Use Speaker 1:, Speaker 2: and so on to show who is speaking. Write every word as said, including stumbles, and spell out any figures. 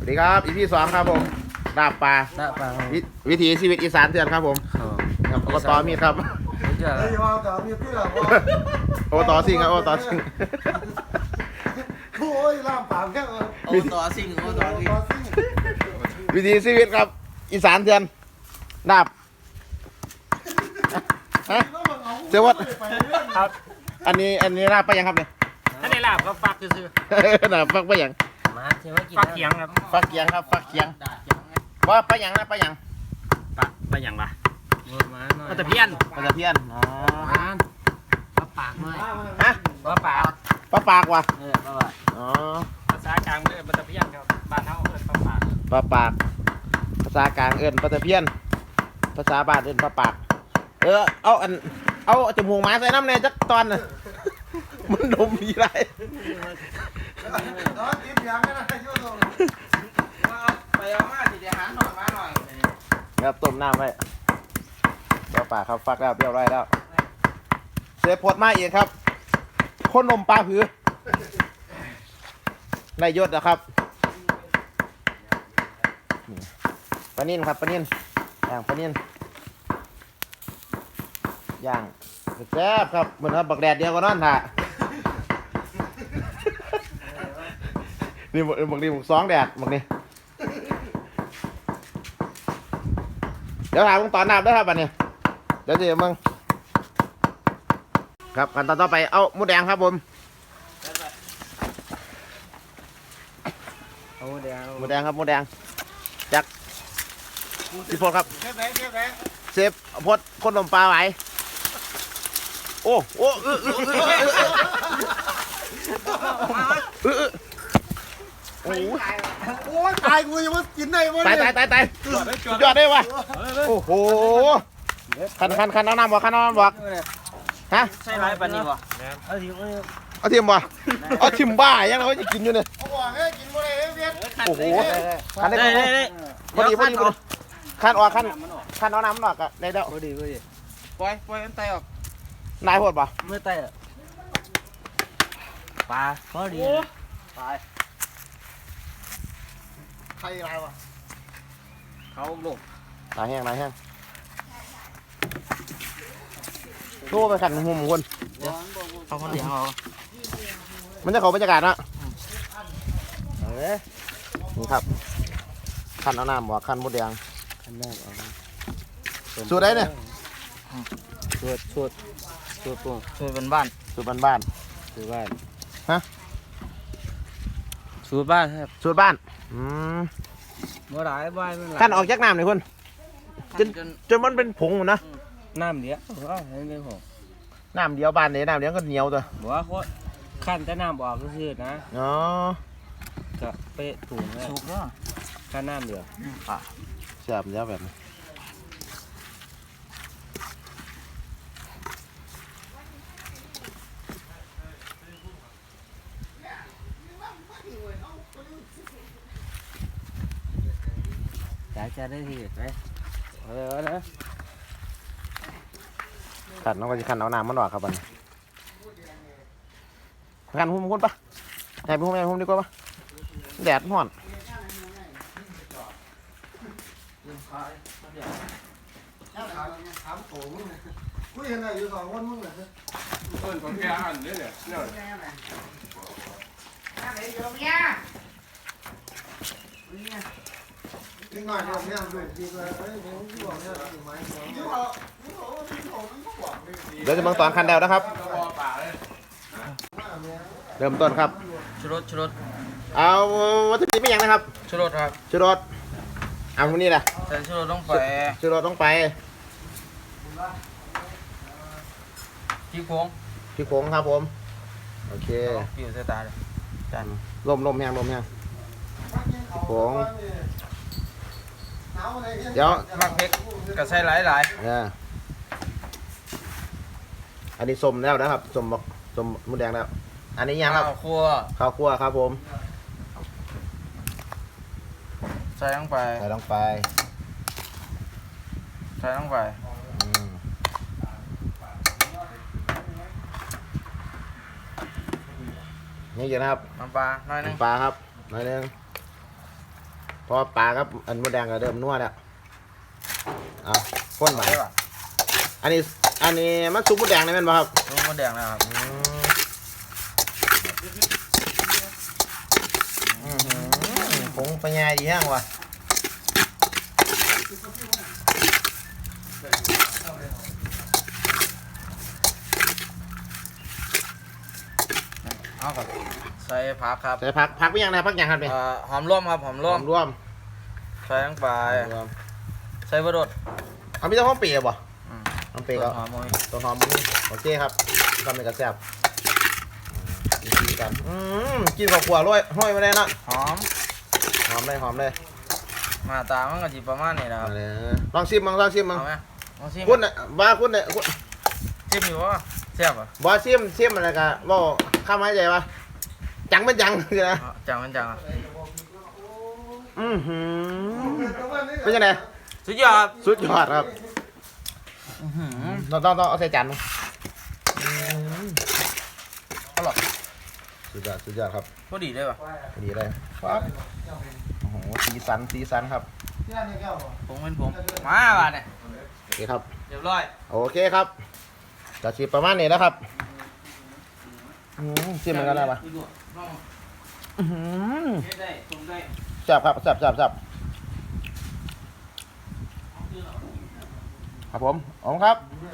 Speaker 1: สวัสดีครับอีพีสองครับผมลาบปลา
Speaker 2: ลาบปลา
Speaker 1: วิวิถีชีวิตอีสานเถื่อนครับผม
Speaker 2: ครับ
Speaker 1: ครับอบตมีครับ
Speaker 2: ไม่เจอ
Speaker 3: เฮ้ยว่าแต่มีพี่เหรอวะ
Speaker 1: อบตซิงครับอบตซิง
Speaker 3: โอ้ยล่ามปามแค่เออ
Speaker 2: โอ้ต่อซิงโอ้ต่อซิง
Speaker 1: วิถีชีวิตครับอีสานเถื่อนลาบฮะเจ้าวัด
Speaker 4: ครับ
Speaker 1: อันนี้อันนี้ลาบไปยังครับเนี่ย
Speaker 4: ถ้าได้ลาบก็ฟักซื้อ
Speaker 1: น่ะฟักไปยัง
Speaker 2: มาเที่ยวกิน
Speaker 4: ฟักเขียงครับ
Speaker 1: ฟักเกียงครับฟักเกียงว่าไปยังนะไปยัง
Speaker 4: ปะไปอย่างวะ
Speaker 2: มาหน่อย
Speaker 4: ก็จะเพี้ยน
Speaker 1: ปลาตะเพียนอ๋อ
Speaker 2: มาปลาปากหน่อย
Speaker 1: ฮะ
Speaker 4: ว่าปลา
Speaker 1: ปลาปากว่ะ
Speaker 2: เออปลาปาก
Speaker 1: อ๋อ
Speaker 4: ภาษากลางเลยมันจะเพี้ยนครับบ้านเฮาเอิ้นปลาปาก
Speaker 1: ปลาปากภาษากลางเอิ้นปลาตะเพียนภาษาบ้านเอิ้นปลาปากเออเอาอันเอาจมูกหมาใส่น้ำในจักตอนน่ะ มันดมดีไร
Speaker 3: ตอนกินยังไงนะยุ่งตรง
Speaker 2: ไปเอามาสิเดี๋ยวหาหน่อยมาหน่อย
Speaker 1: ครับต้มน้ำไว้ปลาปากครับฟักแล้วเปรี้ยวไรอยแล้วเสียพดมาอีกครับคนนมปลาผือในยศนะครับนี่ปลานิ่นครับปลานิ่นย่างปลานิ่นย่างแซ่บครับเหมือนครับบักแดดเดียวก็นอนถ่านี่บักบักนี่บักสองแดดบักนี่เดี๋ยวถามมึงตอนน้ำด้วยครับบัดนี้เดี๋ยวเดี๋ยวมึงครับขั้นตอนต่อไปเอาหมูแดงครับผม
Speaker 2: เอาเดี๋ยว
Speaker 1: หมูแดงครับหมูแดงจากพี่พลครับ
Speaker 3: เชฟไหนเชฟไหน
Speaker 1: เซฟพดคนนมปลาไหวโอ้โอ้เออเออเออเออเออโอ้ย
Speaker 3: โอ้ยตายกูยังว่ากินได้วะ
Speaker 1: ตาย
Speaker 3: เนี่ย
Speaker 1: ตายตายตายสุดยอดได้วะโอ้โหคันคันคันเอาน้ำบอกคันเอาน้ำบอกฮะ
Speaker 2: ใช่ไรปลานี่วะเอาทีเอา
Speaker 1: เอาทิมบ่เอาทิมบ้ายังเราจะกินอยู่เนี่ย
Speaker 3: เขาบอกให้กินบ่ได้เวียน
Speaker 1: โอ้โหคันได้
Speaker 2: ได้
Speaker 1: พอ
Speaker 2: ได้ได้
Speaker 1: พอดีพอดีพอดีคันออกคันคันเอาน้ำมันออกอะได้แล้ว
Speaker 2: พอดีพอดีปล่อยปล่อยมันไตออก
Speaker 1: นายโหดป่ะ
Speaker 2: เมื่อไตอ่ะปลาพอดีปลา
Speaker 3: ใครอะไรวะ
Speaker 2: เขาลง
Speaker 1: นายแห้งนายแห้งโทรไปขันหุ่มคน
Speaker 2: เขาคนเดียวเอา
Speaker 1: มันจะเขาบรรยากาศนะเอาเลยนี่ครับขันเอาน้ำบอกขันมดแดง
Speaker 2: ขันแรกเอา
Speaker 1: สูตรไหนเนี่ย
Speaker 2: ชวดชวดชวดปงชวดเป็นบ้าน
Speaker 1: สูตรบ้าน
Speaker 2: ชวดบ้าน
Speaker 1: ฮะ
Speaker 2: ชวดบ้านครับ
Speaker 1: ๆสูตรบ้านอืม
Speaker 2: เมื่อไรบ้านเมื่อไร
Speaker 1: ขันออกจากน้ำเลยคนจน
Speaker 2: จน
Speaker 1: จนมันเป็นผงหมดนะ
Speaker 2: น้ำเดียวว่าให้เป็นของ
Speaker 1: น้ำเดียวบ้านเนี่ยน้ำเดียวก็เหนียวตัว
Speaker 2: บอกว่าเขาขั้นแต่น้ำออกก็คือนะ
Speaker 1: อ๋อ
Speaker 2: ก็เป๊ะถูกเลยถูกแล้วขั้นน้ำเดียว
Speaker 1: แซ่บเดียวแบบนี้
Speaker 2: อยากจะได้ที่ไหมเอาเลยเอาเลย
Speaker 1: ขันน้องก็จะขันเอาน้ำมันออกครับบัดนขันหุ่มคนปะไหนไปหุ่มไหนหุ่มดีกว่าปะแดดร้อน
Speaker 3: ถามโถมึงกูเห็นอะไรอยู่สองคนมึงเหรอ
Speaker 5: เพิ่นของแกอันนี้เนี่ยเนี่ย
Speaker 3: กินหน่อยเดียวเนี่ยดูดีเลยเฮ้ยผมที่บอกเนี่ยถึงไม้ของที่บอกที่บอกว่าที่บอกมันก็บอกเลย
Speaker 1: เดี๋ยวจะเบิ่งตอนขันเดวนะครับ
Speaker 5: กระบอกป่าเลย
Speaker 1: เริ่มต้นครับ
Speaker 2: ชุรสชุรส
Speaker 1: เอาวัตถุดิบไม่ยังนะครับ
Speaker 2: ชุรสครับ
Speaker 1: ชูรสเอาพวกนี้แหละ
Speaker 2: ใส่ชุรสลงไป
Speaker 1: ชูรสต้องไป
Speaker 2: ที่โค้ง
Speaker 1: พี่โค้งครับผม โอเค
Speaker 2: ปิวใส่ตาเลย
Speaker 1: จันลมลมแห้งลมแห้งพี่โค้งเดี๋ยว
Speaker 2: มักเพกก็ใส่หลายหลาย
Speaker 1: เนี่ยอันนี้ส้มแล้วนะครับส้มบอกส้มมดแดงแล้ว อันนี้ยังครับ
Speaker 2: ข้าวคั่ว
Speaker 1: ข้าวคั่วครับผม
Speaker 2: ใส่ลงไป
Speaker 1: ใส่ลงไป
Speaker 2: ใส่ลงไป
Speaker 1: อืมนี่เยอะนะครับ
Speaker 2: น้ำปลาหน่อยหนึง
Speaker 1: น้ำปลาครับหน่อยหนึงเพราะว่าปลากับอันมดแดงก็เริ่มนัวแล้วเอาพ่นไป
Speaker 2: ได้ป่ะ
Speaker 1: อันนี้อันนี้มันซุปมดแดงนี่แม่นบ่ครับ
Speaker 2: ลูกมดแดงนะครับ
Speaker 1: อืมอื้อหือผงปัญญาดีแห้งว่ะ
Speaker 2: เอาครับใส่ผักครับ
Speaker 1: ใส่ผักผักไปยังนะผักยังครับเนี่ย
Speaker 2: เอ่อหอมร่วมครับหอมร่วม
Speaker 1: รวม
Speaker 2: ใส่ลงไป
Speaker 1: รวม
Speaker 2: ใส่บดด
Speaker 1: เอามีแต่หอมเปียกบ่
Speaker 2: อืม
Speaker 1: หอมเปียกก็
Speaker 2: หอมมวย
Speaker 1: ตัวหอมมันโอเคครับทำเป็นกระแซบอืมกินกันอืมกินกับขวดร้อยห้อยมาได้นะ
Speaker 2: หอม
Speaker 1: หอมเลยหอมเลย
Speaker 2: หน้าตามันก็จีประมาณนี้นะครับ
Speaker 1: มาเลยลองชิมมั้งลองชิมมั้ง
Speaker 2: เอาไหมลองชิม
Speaker 1: คุณน่ะว่าคุณเนี่ยคุณ
Speaker 2: ชิมอยู่วะแซ่บอ่ะ
Speaker 1: บอชิมชิมอะไรกันบ่ข้ามหายใจวะจังเป็นจังคือนะ
Speaker 2: อ๋อจังมันจังอ่ะ
Speaker 1: อือหือเป็นยังไง
Speaker 2: สุดยอด
Speaker 1: สุดยอดครับ
Speaker 2: อื้อหือ
Speaker 1: ต้องต้องต้องเอาใส่จานมั้งอืม
Speaker 2: อร่อย
Speaker 1: สุดยอดสุดยอดครับ
Speaker 2: พอดีเลยป่ะ
Speaker 1: ดีเลยครับโอ้โหสีสันสีสันครับ
Speaker 3: ที่ร้านในแก้วบ่
Speaker 2: ผมเป็นผมมาบ้านเนี่ย
Speaker 1: โอเคครับ
Speaker 2: เรียบร้อย
Speaker 1: โอเคครับจะชิมประมาณนี้แล้วครับอืมชิมเหมือนกันได้ปะอื้อหือ
Speaker 2: ได้ผมได้
Speaker 1: แซ่บครับแซ่บแซ่บแซ่บครับผมอ๋อครับ